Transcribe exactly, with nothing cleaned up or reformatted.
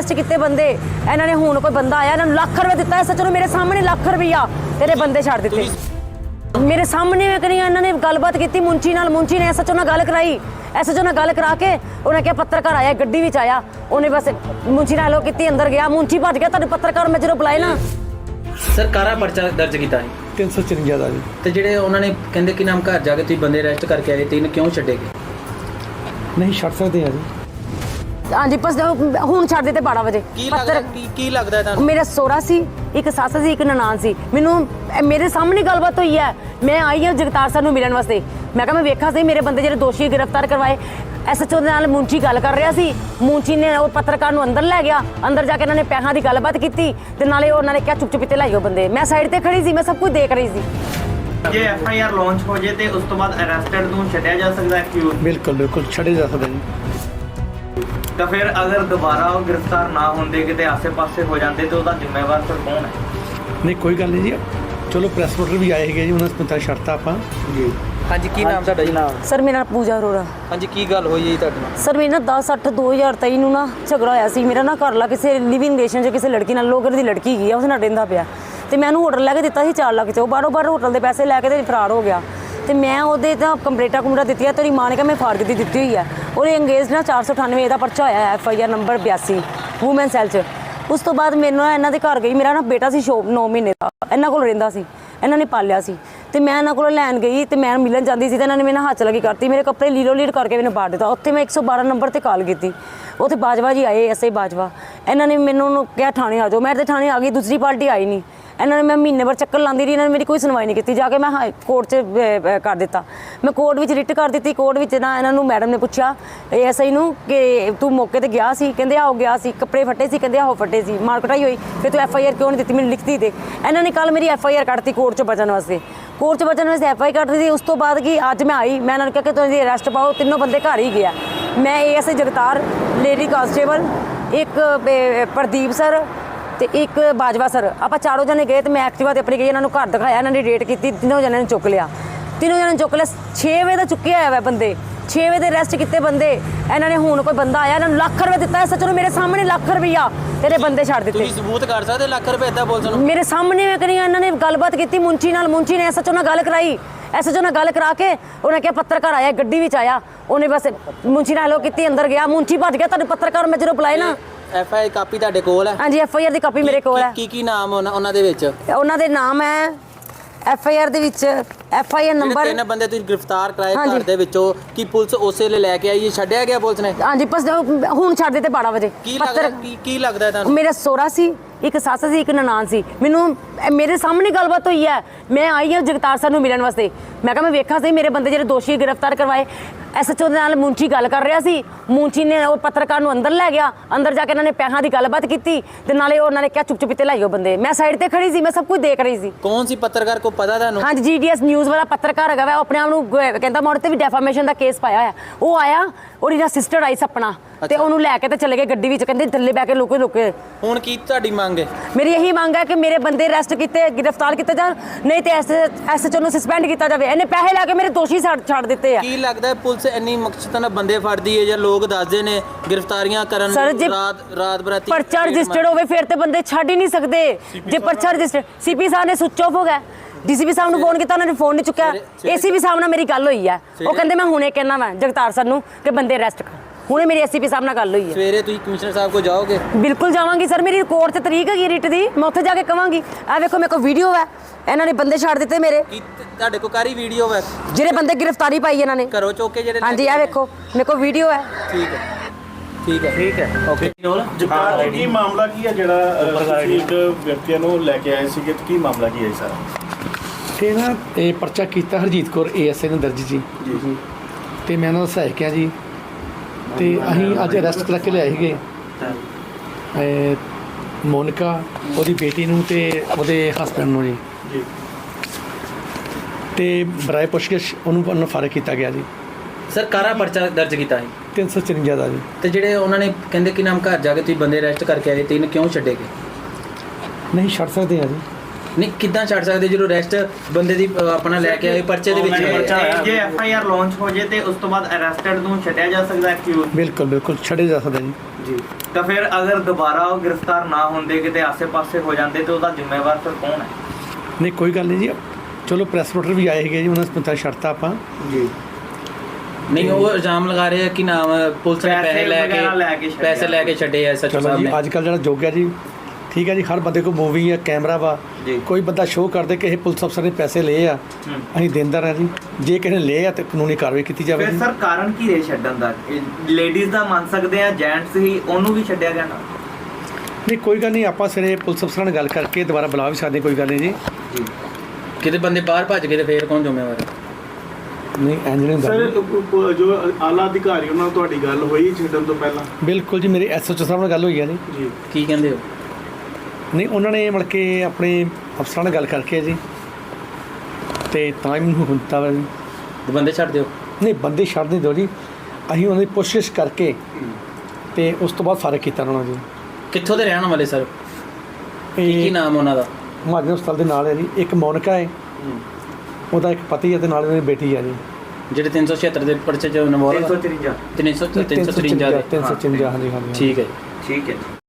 Arrest ਕੀਤੇ ਬੰਦੇ ਇਹਨਾਂ ਨੇ। ਹੁਣ ਕੋਈ ਬੰਦਾ ਆਇਆ ਇਹਨਾਂ ਨੂੰ ਲੱਖ ਰੁਪਏ ਦਿੱਤਾ ਐਸਐਚਓ ਨੂੰ, ਮੇਰੇ ਸਾਹਮਣੇ ਲੱਖ ਰੁਪਈਆ ਤੇਰੇ ਬੰਦੇ ਛੱਡ ਦਿੱਤੇ ਮੇਰੇ ਸਾਹਮਣੇ। ਮੈਂ ਕਰੀ ਇਹਨਾਂ ਨੇ ਗੱਲਬਾਤ ਕੀਤੀ ਮੁੰਚੀ ਨਾਲ, ਮੁੰਚੀ ਨੇ ਐਸਐਚਓ ਨਾਲ ਗੱਲ ਕਰਾਈ। ਐਸਐਚਓ ਨਾਲ ਗੱਲ ਕਰਾ ਕੇ ਉਹਨੇ ਕਿਹਾ ਪੱਤਰਕਾਰ ਆਇਆ ਗੱਡੀ ਵਿੱਚ ਆਇਆ, ਉਹਨੇ ਬਸ ਮੁੰਚੀ ਨਾਲ ਉਹ ਕੀਤੀ, ਅੰਦਰ ਗਿਆ, ਮੁੰਚੀ ਭੱਜ ਗਿਆ। ਤੁਹਾਨੂੰ ਪੱਤਰਕਾਰ ਮੈਂ ਜਦੋਂ ਬੁਲਾਏ ਨਾ ਸਰ ਕਾਰਾ ਪਰਚਾ ਦਰਜ ਕੀਤਾ ਹੈ ਤਿੰਨ ਸੌ ਚੁਰੰਜਾ ਦਾ ਜੀ। ਤੇ ਜਿਹੜੇ ਉਹਨਾਂ ਨੇ ਕਹਿੰਦੇ ਕਿ ਨਾਮ ਘਰ ਜਾ ਕੇ ਤੁਸੀਂ ਬੰਦੇ ਅਰੈਸਟ ਕਰਕੇ ਆਏ, ਤਿੰਨ ਕਿਉਂ ਛੱਡੇ ਗਏ? ਨਹੀਂ ਛੱਡ ਸਕਦੇ ਆ ਜੀ। ਹਾਂਜੀ ਬਸ ਹੁਣ ਛੱਡ ਦਿੱਤੇ ਬਾਰਾਂ ਵਜੇ। ਕੀ ਲੱਗਦਾ ਕੀ ਕੀ ਲੱਗਦਾ ਤੁਹਾਨੂੰ? ਮੇਰਾ ਸੋਹਰਾ ਸੀ, ਇੱਕ ਸੱਸ ਸੀ, ਇੱਕ ਨਨਾਣ ਸੀ। ਮੈਨੂੰ ਮੇਰੇ ਸਾਹਮਣੇ ਗੱਲਬਾਤ ਹੋਈ ਹੈ। ਮੈਂ ਆਈ ਹਾਂ ਜਗਤਾਰ ਸਰ ਨੂੰ ਮਿਲਣ ਵਾਸਤੇ। ਮੈਂ ਕਿਹਾ ਮੈਂ ਵੇਖਾਂ ਸਹੀ ਮੇਰੇ ਬੰਦੇ ਜਿਹੜੇ ਦੋਸ਼ੀ ਗ੍ਰਿਫਤਾਰ ਕਰਵਾਏ। ਐਸਐਚਓ ਦੇ ਨਾਲ ਮੁੰਚੀ ਗੱਲ ਕਰ ਰਿਹਾ ਸੀ। ਮੁੰਚੀ ਨੇ ਉਹ ਪੱਤਰਕਾਰ ਨੂੰ ਅੰਦਰ ਲੈ ਗਿਆ। ਅੰਦਰ ਜਾ ਕੇ ਇਹਨਾਂ ਨੇ ਪੈਸਿਆਂ ਦੀ ਗੱਲਬਾਤ ਕੀਤੀ ਤੇ ਨਾਲੇ ਉਹਨਾਂ ਨੇ ਕਿਹਾ ਚੁੱਪ ਚੁਪੀਤੇ ਲਾਈਓ ਬੰਦੇ। ਮੈਂ ਸਾਈਡ ਤੇ ਖੜੀ ਸੀ, ਮੈਂ ਸਭ ਕੁਝ ਦੇਖ ਰਹੀ ਸੀ। ਜੇ ਐਫ ਆਈ ਆਰ ਲਾਂਚ ਹੋ ਜੇ ਤੇ ਉਸ ਤੋਂ ਬਾਅਦ ਅਰੈਸਟਡ ਨੂੰ ਛੱਡਿਆ ਜਾ ਸਕਦਾ ਹੈ ਕਿਉਂ? ਬਿਲਕੁਲ ਬਿਲਕੁਲ ਛੱਡੇ ਜਾ ਸਕਦਾ ਜੀ। ਤਾਂ ਫਿਰ ਅਗਰ ਦੁਬਾਰਾ ਉਹ ਗ੍ਰਿਫਤਾਰ ਨਾ ਹੁੰਦੇ, ਕਿਤੇ ਆਸੇ-ਪਾਸੇ ਹੋ ਜਾਂਦੇ ਤੇ ਉਹਦਾ ਜ਼ਿੰਮੇਵਾਰ ਫਿਰ ਕੌਣ ਹੈ? ਨਹੀਂ ਕੋਈ ਗੱਲ ਨਹੀਂ ਜੀ, ਚਲੋ ਪ੍ਰੈਸ ਰਿਪੋਰਟਰ ਵੀ ਆਏ ਹੈਗੇ ਜੀ, ਉਹਨਾਂ ਨੂੰ ਤਾਂ ਛੱਡਤਾ ਆਪਾਂ ਜੀ। ਹਾਂਜੀ ਕੀ ਨਾਮ ਤੁਹਾਡਾ ਜੀ? ਸਰ ਮੇਰਾ ਪੂਜਾ ਅਰੋੜਾ। ਹਾਂਜੀ ਕੀ ਗੱਲ ਹੋਈ ਹੈ ਤੁਹਾਡੇ ਨਾਲ? ਸਰ ਮੇਰੇ ਨਾਲ ਦਸ ਅੱਠ ਦੋ ਹਜ਼ਾਰ ਤੇਈ ਨੂੰ ਨਾ ਝਗੜਾ ਹੋਇਆ ਸੀ। ਮੇਰਾ ਨਾ ਘਰ ਲਾ ਕਿਸੇ ਲਿਵਿੰਗ ਰਿਲੇਸ਼ਨ 'ਚ ਕਿਸੇ ਲੜਕੀ ਨਾਲ, ਲੋਕਰ ਦੀ ਲੜਕੀ ਗਈ ਆ, ਉਸ ਨਾਲ ਰਹਿੰਦਾ ਪਿਆ ਤੇ ਮੈਂ ਉਹਨੂੰ ਹੋਟਲ ਲੈ ਕੇ ਦਿੱਤਾ ਸੀ ਚਾਰ ਲੱਖ 'ਚ। ਉਹ ਬਾਰੋਂ ਬਾਰ ਹੋਟਲ ਦੇ ਪੈਸੇ ਲੈ ਕੇ ਤੇ ਫਰਾਰ ਹੋ ਗਿਆ ਤੇ ਮੈਂ ਉਹਦੇ ਤਾਂ ਕੰਪਲੇਟਾਂ ਕੁੰਪਲੇਟਾਂ ਦਿੱਤੀਆਂ। ਤੇਰੀ ਮਾਂ ਨੇ ਕਿਹਾ ਮੈਂ ਫਾਰਗ ਦੀ ਦਿੱਤੀ ਹੋਈ ਹੈ। ਉਹਦੇ ਅੰਗੇਜ ਨਾਲ ਚਾਰ ਸੌ ਅਠਾਨਵੇਂ ਇਹਦਾ ਪਰਚਾ ਹੋਇਆ ਐਫ ਆਈ ਆਰ ਨੰਬਰ ਬਿਆਸੀ ਵੂਮੈਨ ਸੈੱਲ 'ਚ। ਉਸ ਤੋਂ ਬਾਅਦ ਮੈਨੂੰ ਇਹਨਾਂ ਦੇ ਘਰ ਗਈ। ਮੇਰਾ ਨਾ ਬੇਟਾ ਸੀ ਸ਼ੋ ਨੌ ਮਹੀਨੇ ਦਾ, ਇਹਨਾਂ ਕੋਲ ਰਹਿੰਦਾ ਸੀ, ਇਹਨਾਂ ਨੇ ਪਾਲਿਆ ਸੀ ਤੇ ਮੈਂ ਇਹਨਾਂ ਕੋਲ ਲੈਣ ਗਈ ਤੇ ਮੈਂ ਮਿਲਣ ਜਾਂਦੀ ਸੀ ਤੇ ਇਹਨਾਂ ਨੇ ਮੇਰੇ ਨਾਲ ਹੱਥ ਲੱਗੀ ਕਰਤੀ। ਮੇਰੇ ਕੱਪੜੇ ਲੀਲੋ ਲੀਡ ਕਰਕੇ ਮੈਨੂੰ ਬਾੜ ਦਿੱਤਾ। ਉੱਥੇ ਮੈਂ ਇੱਕ ਸੌ ਬਾਰਾਂ ਨੰਬਰ ਤੇ ਕਾਲ ਕੀਤੀ। ਉੱਥੇ ਬਾਜਵਾ ਜੀ ਆਏ, ਐਸ ਆਈ ਬਾਜਵਾ। ਇਹਨਾਂ ਨੇ ਮੈਨੂੰ ਕਿਹਾ ਥਾਣੇ ਆ ਜਾਓ। ਮੈਂ ਤੇ ਥਾਣੇ ਆ ਗਈ, ਦੂਸਰੀ ਪਾਰਟੀ ਆਈ ਨਹੀਂ। ਇਹਨਾਂ ਨੇ ਮੈਂ ਮਹੀਨੇ ਭਰ ਚੱਕਰ ਲਾਉਂਦੀ ਰਹੀ, ਇਹਨਾਂ ਨੇ ਮੇਰੀ ਕੋਈ ਸੁਣਵਾਈ ਨਹੀਂ ਕੀਤੀ। ਜਾ ਕੇ ਮੈਂ ਕੋਰਟ 'ਚ ਕਰ ਦਿੱਤਾ। ਮੈਂ ਕੋਰਟ ਵਿੱਚ ਰਿਟ ਕਰ ਦਿੱਤੀ। ਕੋਰਟ ਵਿੱਚ ਨਾ ਇਹਨਾਂ ਨੂੰ ਮੈਡਮ ਨੇ ਪੁੱਛਿਆ ਏ ਐਸ ਆਈ ਨੂੰ ਕਿ ਤੂੰ ਮੌਕੇ ਤੇ ਗਿਆ ਸੀ? ਕਹਿੰਦੇ ਆਹੋ ਗਿਆ ਸੀ। ਕੱਪੜੇ ਫੱਟੇ ਸੀ? ਕਹਿੰਦੇ ਆਹੋ ਫੱਟੇ ਸੀ। ਮਾਰ ਕੁਟਾਈ ਹੋਈ। ਫਿਰ ਤੂੰ ਐਫ ਆਈ ਆਰ ਕਿਉਂ ਨਹੀਂ ਦਿੱਤੀ? ਮੈਨੂੰ ਲਿਖਤੀ ਦੇ। ਇਹਨਾਂ ਨੇ ਕੱਲ੍ਹ ਮੇਰੀ ਐਫ ਆਈ ਆਰ ਕੱਢਤੀ ਕੋਰਟ 'ਚ ਬਚਣ ਵਾਸਤੇ। ਕੋਰਟ 'ਚ ਬਚਣ ਵਾਸਤੇ ਐਫ ਆਈ ਆਰ ਕੱਢ ਦਿੱਤੀ। ਉਸ ਤੋਂ ਬਾਅਦ ਕਿ ਅੱਜ ਮੈਂ ਆਈ, ਮੈਂ ਇਹਨਾਂ ਨੂੰ ਕਿਹਾ ਕਿ ਤੁਸੀਂ ਅਰੈਸਟ ਪਾਓ। ਤਿੰਨੋਂ ਬੰਦੇ ਘਰ ਹੀ ਗਿਆ। ਮੈਂ A S I Jagtar, lady constable, ਇੱਕ ਪ੍ਰਦੀਪ ਸਰ ਤੇ ਇੱਕ ਬਾਜਵਾ ਸਰ, ਆਪਾਂ ਚਾਰੋਂ ਜਣੇ ਗਏ ਤੇ ਮੈਂ ਐਕਟਿਵਾ ਤੇ ਆਪਣੀ ਗਈ। ਇਹਨਾਂ ਨੂੰ ਘਰ ਦਿਖਾਇਆ, ਇਹਨਾਂ ਨੇ ਰੇਟ ਕੀਤੀ, ਤਿੰਨੋਂ ਜਣਿਆਂ ਨੂੰ ਚੁੱਕ ਲਿਆ। ਤਿੰਨੋਂ ਜਣਿਆਂ ਨੂੰ ਚੁੱਕ ਲਿਆ। ਛੇ ਵਜੇ ਦਾ ਚੁੱਕਿਆ ਹੋਇਆ ਵਾ ਬੰਦੇ, ਛੇ ਵਜੇ ਦੇ ਅਰੈਸਟ ਕੀਤੇ ਬੰਦੇ ਇਹਨਾਂ ਨੇ। ਹੁਣ ਕੋਈ ਬੰਦਾ ਆਇਆ ਇਹਨਾਂ ਨੂੰ ਲੱਖ ਰੁਪਏ ਦਿੱਤਾ ਐਸਐਚਓ ਨੂੰ, ਮੇਰੇ ਸਾਹਮਣੇ ਲੱਖ ਰੁਪਈਆ ਤੇਰੇ ਬੰਦੇ ਛੱਡ ਦਿੱਤੇ। ਤੁਸੀਂ ਸਬੂਤ ਕਰ ਸਕਦੇ ਲੱਖ ਰੁਪਏ ਇਦਾਂ ਬੋਲ ਸਾਨੂੰ? ਮੇਰੇ ਸਾਹਮਣੇ ਮੈਂ ਕਰੀ ਇਹਨਾਂ ਨੇ ਗੱਲਬਾਤ ਕੀਤੀ ਮੁੰਚੀ ਨਾਲ। ਮੁੰਚੀ ਨੇ ਐਸਐਚਓ ਨਾਲ ਗੱਲ ਕਰਾਈ। ਐਸਐਚਓ ਨਾਲ ਗੱਲ ਕਰਾ ਕੇ ਉਹਨੇ ਕਿਹਾ ਪੱਤਰਕਾਰ ਆਇਆ ਗੱਡੀ ਵਿੱਚ ਆਇਆ, ਉਹਨੇ ਬਸ ਮੁੰਚੀ ਨਾਲ ਉਹ ਕੀਤੀ, ਅੰਦਰ ਗਿਆ, ਮੁੰਚੀ ਭੱਜ ਗਿਆ। ਤੁਹਾਨੂੰ ਪੱਤਰਕਾਰ ਮੈਂ ਜਦੋਂ ਬੁਲਾਏ ਨਾ। ਐਫ ਆਈ ਆਰ ਕਾਪੀ ਤੁਹਾਡੇ ਕੋਲ ਹੈ? ਹਾਂਜੀ ਐਫ ਆਈ ਆਰ ਦੀ ਕਾਪੀ ਮੇਰੇ ਕੋਲ ਹੈ। ਕੀ ਕੀ ਨਾਮ ਉਹਨਾਂ ਉਹਨਾਂ ਦੇ ਵਿੱਚ? ਉਹਨਾਂ ਦੇ ਨਾਮ ਹੈ ਐਫ ਆਈ ਆਰ ਦੇ ਵਿੱਚ ਐਫ ਆਈ ਆਰ ਨੰਬਰ। ਤਿੰਨ ਬੰਦੇ ਤੁਸੀਂ ਗ੍ਰਿਫਤਾਰ ਕਰਾਏ ਘਰ ਦੇ ਵਿੱਚੋਂ, ਕੀ ਪੁਲਿਸ ਉਸੇ ਵੇਲੇ ਲੈ ਕੇ ਆਈ? ਛੱਡਿਆ ਗਿਆ ਪੁਲਿਸ ਨੇ? ਹਾਂਜੀ ਬਸ ਹੁਣ ਛੱਡ ਦਿੱਤੇ ਬਾਰਾਂ ਵਜੇ। ਕੀ ਲੱਗਦਾ ਕੀ ਕੀ ਲੱਗਦਾ ਤੁਹਾਨੂੰ? ਮੇਰਾ ਸੋਹਰਾ ਸੀ, ਇੱਕ ਸੱਸ ਸੀ, ਇੱਕ ਨਨਾਣ ਸੀ। ਮੈਨੂੰ ਮੇਰੇ ਸਾਹਮਣੇ ਗੱਲਬਾਤ ਹੋਈ ਹੈ। ਮੈਂ ਆਈ ਹਾਂ ਜਗਤਾਰ ਸਰ ਨੂੰ ਮਿਲਣ ਵਾਸਤੇ। ਮੈਂ ਕਿਹਾ ਮੈਂ ਵੇਖਾਂ ਸਹੀ ਮੇਰੇ ਬੰਦੇ ਜਿਹੜੇ ਦੋਸ਼ੀ ਗ੍ਰਿਫਤਾਰ ਕਰਵਾਏ। ਐਸਐਚਓ ਦੇ ਨਾਲ ਮੁੰਚੀ ਗੱਲ ਕਰ ਰਿਹਾ ਸੀ। ਮੁੰਚੀ ਨੇ ਉਹ ਪੱਤਰਕਾਰ ਨੂੰ ਅੰਦਰ ਲੈ ਗਿਆ। ਅੰਦਰ ਜਾ ਕੇ ਇਹਨਾਂ ਨੇ ਪੈਸਿਆਂ ਦੀ ਗੱਲਬਾਤ ਕੀਤੀ ਤੇ ਨਾਲੇ ਉਹਨਾਂ ਨੇ ਕਿਹਾ ਚੁੱਪ ਚੁਪੀਤੇ ਲਾਈਓ ਬੰਦੇ। ਮੈਂ ਸਾਈਡ ਤੇ ਖੜੀ ਸੀ, ਮੈਂ ਸਭ ਕੁਝ ਦੇਖ ਰਹੀ ਸੀ। ਕੌਣ ਸੀ ਪੱਤਰਕਾਰ, ਕੋ ਪਤਾ ਤੁਹਾਨੂੰ? ਹਾਂਜੀ ਜੀ ਡੀ ਐਸ ਨਿਊਜ਼ ਵਾਲਾ ਪੱਤਰਕਾਰ ਹੈਗਾ ਵਾ। ਉਹ ਆਪਣੇ ਆਪ ਨੂੰ ਕਹਿੰਦਾ ਮੈਂ ਉਹਦੇ ਤੇ ਵੀ ਡੈਫਾਮੇਸ਼ਨ ਦਾ ਕੇਸ ਪਾਇਆ ਹੋਇਆ। ਉਹ ਆਇਆ, ਉਹਦੀ ਨਾ ਸਿਸਟਰ ਆਈ ਸਪਨਾ, ਤੇ ਉਹਨੂੰ ਲੈ ਕੇ ਤੇ ਚਲੇ ਗਏ ਗੱਡੀ ਵਿੱਚ। ਕਹਿੰਦੇ ਥੱਲੇ ਬਹਿ ਕੇ ਲੁਕੇ ਲੁਕੇ। ਹੁਣ ਕੀ ਤੁਹਾਡੀ ਮੰਗ ਹੈ? ਮੇਰੀ ਇਹੀ ਮੰਗ ਹੈ ਕਿ ਮੇਰੇ ਬੰਦੇ ਅਰੈਸਟ ਕੀਤੇ, ਗ੍ਰਿਫਤਾਰ ਕੀਤੇ ਜਾਣ, ਨਹੀਂ ਤੇ ਐਸਐਚਓ ਨੂੰ ਸਸਪੈਂਡ ਕੀਤਾ ਜਾਵੇ। ਇਹਨੇ ਪੈਸੇ ਲਾ ਕੇ ਮੇਰੇ ਦੋਸ਼ੀ ਛੱਡ ਦਿੱਤੇ ਆ। ਕੀ ਲੱਗਦਾ ਪੁਲਿਸ ਇੰਨੀ ਮਕਸਦ ਨਾਲ ਬੰਦੇ ਫੜਦੀ ਹੈ ਜਾਂ ਲੋਕ ਦੱਸਦੇ ਨੇ ਗ੍ਰਿਫਤਾਰੀਆਂ ਕਰਨ ਰਾਤ ਰਾਤ ਬਰਾਤੀ? ਪਰਚਾ ਰਜਿਸਟਰਡ ਹੋਵੇ ਫਿਰ ਤੇ ਬੰਦੇ ਛੱਡ ਹੀ ਨਹੀਂ ਸਕਦੇ। ਜੇ ਪਰਚਾ ਰਜਿਸਟਰਡ, ਸੀਪੀ ਸਾਹਿਬ ਨੇ ਸੁੱਚ ਆਫ ਹੋ ਗਿਆ। ਡੀਸੀਪੀ ਸਾਹਿਬ ਨੂੰ ਫੋਨ ਕੀਤਾ, ਉਹਨਾਂ ਨੇ ਫੋਨ ਨਹੀਂ ਚੁੱਕਿਆ। ਏਸੀਪੀ ਸਾਹਿਬ ਨਾਲ ਮੇਰੀ ਗੱਲ ਹੋਈ ਹੈ। ਉਹ ਕਹਿੰਦੇ ਮੈਂ ਹੁਣੇ ਕਹਿਣਾ ਮੈਂ ਜਗਤਾਰ ਸਰ ਨੂੰ ਕਿ ਬੰਦੇ ਅਰੈਸਟ ਕਰ। ਹੁਣੇ ਮੇਰੀ ਐਸਪੀ ਸਾਹਿਬ ਨਾਲ ਗੱਲ ਹੋਈ ਹੈ। ਸਵੇਰੇ ਤੁਸੀਂ ਕਮਿਸ਼ਨਰ ਸਾਹਿਬ ਕੋਲ ਜਾਓਗੇ? ਬਿਲਕੁਲ ਜਾਵਾਂਗੀ ਸਰ। ਮੇਰੀ ਕੋਰਟ 'ਚ ਤਰੀਕ ਹੈਗੀ ਰਿਟ ਦੀ, ਮੈਂ ਉੱਥੇ ਜਾ ਕੇ ਕਵਾਂਗੀ ਆਹ ਵੇਖੋ ਮੇਰੇ ਕੋਲ ਵੀਡੀਓ ਹੈ, ਇਹਨਾਂ ਨੇ ਬੰਦੇ ਛੱਡ ਦਿੱਤੇ ਮੇਰੇ। ਕੀ ਤੁਹਾਡੇ ਕੋਲ ਕਾਰੀ ਵੀਡੀਓ ਹੈ ਜਿਹੜੇ ਬੰਦੇ ਗ੍ਰਿਫਤਾਰੀ ਪਾਈ ਇਹਨਾਂ ਨੇ ਘਰੋਂ ਚੋਕੇ ਜਿਹੜੇ? ਹਾਂਜੀ ਆਹ ਵੇਖੋ ਮੇਰੇ ਕੋਲ ਵੀਡੀਓ ਹੈ। ਠੀਕ ਹੈ ਠੀਕ ਹੈ ਠੀਕ ਹੈ ਓਕੇ। ਜਗਤਾਰ ਜੀ ਕੀ ਮਾਮਲਾ ਕੀ ਹੈ ਜਿਹੜਾ ਤੁਸੀਂ ਇੱਕ ਵਿਅਕਤੀਆਂ ਨੂੰ ਲੈ ਕੇ ਆਏ ਸੀਗੇ ਤੇ ਕੀ ਮਾਮਲਾ ਕੀ ਹੈ ਸਾਰਾ? ਇਹ ਨਾ ਇਹ ਪਰਚਾ ਕੀਤਾ Harjeet Kaur A S I ਨੇ ਦਰਜ ਜੀ ਜੀ ਜੀ ਤੇ ਮੈਂ ਉਹਨਾਂ ਦਾ ਸਹਾਇਕ ਹਾਂ ਜੀ। ਤੇ ਅਸੀਂ ਅੱਜ ਅਰੈਸਟ ਕਰਕੇ ਲਿਆਏ ਸੀਗੇ ਮੋਨਿਕਾ, ਉਹਦੀ ਬੇਟੀ ਨੂੰ ਤੇ ਉਹਦੇ ਹਸਬੈਂਡ ਨੂੰ ਜੀ। ਜੀ ਤੇ ਬਰਾਏ ਪੁੱਛਗਿੱਛ ਉਹਨੂੰ ਉਹਨੂੰ ਫਾਰਗ ਕੀਤਾ ਗਿਆ ਜੀ। ਸਰ ਕਾਰਾ ਪਰਚਾ ਦਰਜ ਕੀਤਾ ਹੈ ਤਿੰਨ ਸੌ ਚੁਰੰਜਾ ਦਾ ਜੀ। ਤੇ ਜਿਹੜੇ ਉਹਨਾਂ ਨੇ ਕਹਿੰਦੇ ਕਿ ਨਾਮ ਘਰ ਜਾ ਕੇ ਤੁਸੀਂ ਬੰਦੇ ਅਰੈਸਟ ਕਰਕੇ ਆਏ, ਤਿੰਨ ਕਿਉਂ ਛੱਡੇ ਗਏ? ਨਹੀਂ ਛੱਡ ਸਕਦੇ ਆ ਜੀ। ਨਹੀਂ ਕਿੱਦਾਂ ਛੱਡ ਸਕਦੇ ਜਦੋਂ ਰੈਸਟ ਬੰਦੇ ਦੀ ਅ, ਆਪਣਾ ਲੈ ਕੇ ਆਏ ਪਰਚੇ ਦੇ ਵਿੱਚ Online ਹੈ। ਪਰਚਾ ਆਇਆ। ਜੇ ਐਫ ਆਈ ਆਰ ਲਾਂਚ ਹੋ ਜੇ ਤੇ ਉਸ ਤੋਂ ਬਾਅਦ ਅਰੈਸਟਡ ਨੂੰ ਛੱਡਿਆ ਜਾ ਸਕਦਾ ਐਕਿਊਜ਼ ਬਿਲਕੁਲ ਬਿਲਕੁਲ ਛੱਡੇ ਜਾ ਸਕਦਾ ਜੀ। ਜੀ ਤਾਂ ਫਿਰ ਅਗਰ ਦੁਬਾਰਾ ਉਹ ਗ੍ਰਿਫਤਾਰ ਨਾ ਹੁੰਦੇ ਕਿਤੇ ਆਸੇ-ਪਾਸੇ ਹੋ ਜਾਂਦੇ ਤੇ ਉਹਦਾ ਜ਼ਿੰਮੇਵਾਰ ਫਿਰ ਕੌਣ ਹੈ? ਨਹੀਂ ਕੋਈ ਗੱਲ ਨਹੀਂ ਜੀ, ਚਲੋ ਪ੍ਰੈਸ ਰਿਪੋਰਟਰ ਵੀ ਆਏ ਹੈਗੇ ਜੀ, ਉਹਨਾਂ ਨੂੰ ਛੱਡਤਾ ਆਪਾਂ। ਜੀ ਨਹੀਂ ਉਹ ਇਲਜ਼ਾਮ ਲਗਾ ਰਹੇ ਆ ਕਿ ਨਾਮ ਪੁਲਿਸ ਨੇ ਪੈਸੇ ਪੈਸੇ ਲੈ ਵਗੈਰਾ ਲੈ ਕੇ ਕੇ ਛੱਡਿਆ। ਪੈਸੇ ਲੈ ਕੇ ਛੱਡੇ ਐ ਸੱਚ ਚਲੋ ਸਾਹਿਬ ਜੀ ਨੇ। ਅੱਜ ਕੱਲ੍ਹ ਜਿਹੜਾ ਯੁੱਗ ਹੈ ਜੀ, ਠੀਕ ਹੈ ਜੀ, ਹਰ ਬੰਦੇ ਕੋਲ ਮੂਵੀ ਹੈ, ਕੈਮਰਾ ਵਾ, ਜੀ। ਕੋਈ ਬੰਦਾ ਸ਼ੋਅ ਕਰਦੇ ਕਿ ਇਹ ਪੁਲਿਸ ਅਫਸਰ ਨੇ ਪੈਸੇ ਲਏ ਆ, ਹੂੰ। ਅਸੀਂ ਦੇਂਦਾ ਰਹੇ ਜੀ, ਜੇ ਕਿਸੇ ਨੇ ਲਏ ਆ ਤੇ ਕਾਨੂੰਨੀ ਕਾਰਵਾਈ ਕੀਤੀ ਜਾਵੇ ਫਿਰ ਜੀ। ਸਰ ਕਾਰਨ ਕੀ ਰਹੇ ਛੱਡਣ ਦਾ? ਲੇਡੀਜ਼ ਦਾ ਮੰਨ ਸਕਦੇ ਆ, ਜੈਂਟਸ ਹੀ ਉਹਨੂੰ ਵੀ ਛੱਡਿਆ ਗਿਆ ਨਾ? ਨਹੀਂ ਕੋਈ ਗੱਲ ਨਹੀਂ, ਆਪਾਂ ਸਿਰੇ ਪੁਲਿਸ ਅਫਸਰਾਂ ਨਾਲ ਗੱਲ ਕਰਕੇ ਦੁਬਾਰਾ ਬੁਲਾ ਵੀ ਸਕਦੇ, ਕੋਈ ਗੱਲ ਨਹੀਂ ਜੀ। ਜੀ ਕਿਤੇ ਬੰਦੇ ਬਾਹਰ ਭੱਜ ਗਏ ਤੇ ਫੇਰ ਕੌਣ ਜ਼ਿੰਮੇਵਾਰ ਹੈ? ਨਹੀਂ ਇੰਜ ਨਹੀਂ ਹੁੰਦਾ ਸਰ ਜੀ। ਅ, ਅ, ਜੋ ਆਲਾ ਅਧਿਕਾਰੀ ਉਹਨਾਂ ਨਾਲ ਤੁਹਾਡੀ ਗੱਲ ਹੋਈ ਛੱਡਣ ਤੋਂ ਪਹਿਲਾਂ? ਬਿਲਕੁਲ ਜੀ, ਮੇਰੇ ਐਸਐਚਓ ਸਾਹਿਬ ਨਾਲ ਗੱਲ ਹੋਈ ਹੈ ਜੀ। ਜੀ ਕੀ ਕਹਿੰਦੇ ਹੋ? ਨਹੀਂ ਉਹਨਾਂ ਨੇ ਮਤਲਬ ਕਿ ਆਪਣੇ ਅਫਸਰਾਂ ਨਾਲ ਗੱਲ ਕਰਕੇ ਜੀ, ਤੇ ਤਾਂ ਹੀ ਮੈਨੂੰ ਹੁੰਦਾ ਵਾ ਜੀ। ਤੇ ਬੰਦੇ ਛੱਡ ਦਿਓ। ਨਹੀਂ ਬੰਦੇ ਛੱਡ ਨਹੀਂ ਦਿਓ ਜੀ, ਅਸੀਂ ਉਹਨਾਂ ਦੀ ਕੋਸ਼ਿਸ਼ ਕਰਕੇ ਤੇ ਉਸ ਤੋਂ ਬਾਅਦ ਫਾਰਗ ਕੀਤਾ ਉਹਨਾਂ ਨੂੰ ਜੀ। ਕਿੱਥੋਂ ਦੇ ਰਹਿਣ ਵਾਲੇ ਸਰ? ਕੀ ਕੀ ਇਹ ਨਾਮ ਉਹਨਾਂ ਦਾ? ਮਹਾਜਨ ਹਸਪਤਾਲ ਦੇ ਨਾਲ ਹੈ ਜੀ, ਇੱਕ ਮੋਨਿਕਾ ਹੈ, ਉਹਦਾ ਇੱਕ ਪਤੀ ਹੈ ਤੇ ਨਾਲ ਉਹਦੀ ਬੇਟੀ ਹੈ ਜੀ। ਜਿਹੜੇ ਤਿੰਨ ਸੌ ਛਿਅੱਤਰ ਦੇ ਪਰਚੇ ਚ ਇਨਵੋਲਵ ਤਿੰਨ ਸੌ ਚੁਰੰਜਾ ਤਿੰਨ ਸੌ ਤਿੰਨ ਸੌ ਚੁਰੰਜਾ ਦੇ। ਤਿੰਨ ਸੌ ਚੁਰੰਜਾ ਹਾਂਜੀ ਹਾਂਜੀ। ਠੀਕ ਹੈ ਜੀ। ਠੀਕ ਹੈ ਜੀ।